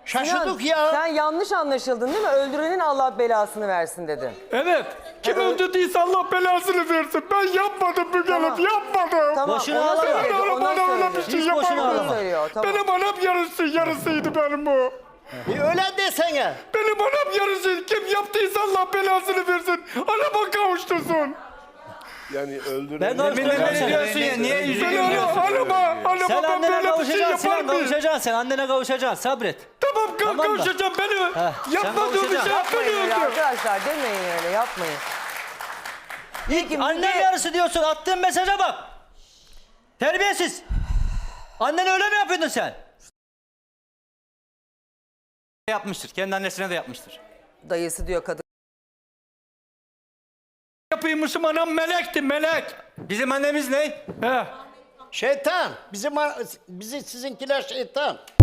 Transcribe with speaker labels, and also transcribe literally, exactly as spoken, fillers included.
Speaker 1: Şaşırdık
Speaker 2: Sinan,
Speaker 1: ya.
Speaker 2: Sen yanlış anlaşıldın değil mi? Öldürenin Allah belasını versin dedin.
Speaker 3: Evet. Kim öldürdüyse Allah belasını versin. Ben yapmadım Müge Hanım,
Speaker 2: Tamam.
Speaker 3: yapmadım.
Speaker 2: Tamam,
Speaker 4: Boşuna
Speaker 2: ona
Speaker 4: ağlama.
Speaker 2: söyledi,
Speaker 3: Bana
Speaker 2: ona
Speaker 3: bana öyle bir
Speaker 2: söyledi.
Speaker 3: şey
Speaker 4: Hiç boşuna
Speaker 3: yapamadım.
Speaker 4: ağlama.
Speaker 2: Söylüyor, tamam.
Speaker 3: Benim anam yarısı, yarısıydı benim bu.
Speaker 1: Bir öyle desene.
Speaker 3: Benim anam yarısı. Kim yaptıysa Allah belasını versin. Anama kavuştursun.
Speaker 5: Yani öldüren...
Speaker 4: Ben kavuşturacağım seni.
Speaker 6: diyorsun ya, niye
Speaker 3: Ben
Speaker 6: yüzünü
Speaker 3: anama,
Speaker 6: gülüyorsun?
Speaker 3: anama, anama
Speaker 4: Sen
Speaker 3: ben
Speaker 4: annene
Speaker 3: böyle bir şey
Speaker 4: kavuşacaksın
Speaker 3: yapar
Speaker 4: Sinan,
Speaker 3: mıyım?
Speaker 4: kavuşacaksın sen. Annene kavuşacaksın, sabret.
Speaker 3: Tamam, ka
Speaker 4: Tamam mı?
Speaker 3: kavuşacağım beni.
Speaker 4: sen
Speaker 3: Yapmadığım bir şey
Speaker 4: kavuşacaksın.
Speaker 3: yapmayı
Speaker 2: Yapmayın öyle
Speaker 3: öldür.
Speaker 2: arkadaşlar, demeyin öyle, yapmayın. Peki,
Speaker 4: Annem
Speaker 2: Müge-
Speaker 4: yarısı diyorsun, attığın mesaja bak. Terbiyesiz. Annen öyle mi yapıyordun sen?
Speaker 6: Yapmıştır. Kendi annesine de yapmıştır.
Speaker 2: Dayısı diyor kadın.
Speaker 3: Yapıymışım, anam melekti, melek.
Speaker 6: Bizim annemiz ne?
Speaker 3: He.
Speaker 1: Şeytan. Bizim bizi sizinkiler şeytan.